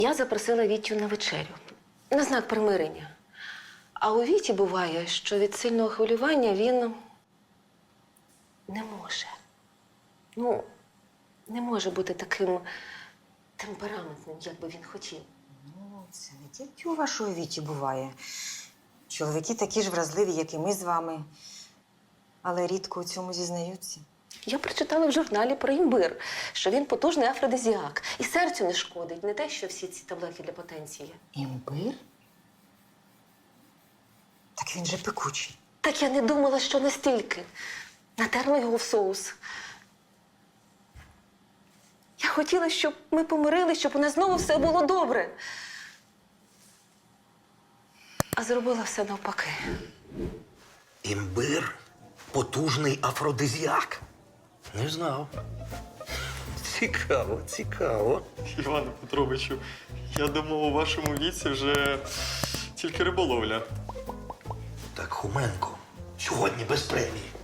Я запросила Вітю на вечерю. На знак примирення. А у Віті буває, що від сильного хвилювання він не може. Ну, не може бути таким темпераментним, як би він хотів. Ну, це не тільки у вашої Віті буває. Чоловіки такі ж вразливі, як і ми з вами. Але рідко у цьому зізнаються. Я прочитала в журналі про імбир, що він потужний афродизіак. І серцю не шкодить, не те, що всі ці таблетки для потенції. Імбир? Так він же пекучий. Так я не думала, що настільки. Натерла його в соус. Я хотіла, щоб ми помирились, щоб у нас знову все було добре. А зробила все навпаки. Імбир? Потужний афродизіак? Не знав. Цікаво, цікаво. Іване Петровичу, я думав, у вашому віці вже тільки риболовля. Так, Хоменко, сьогодні без премії.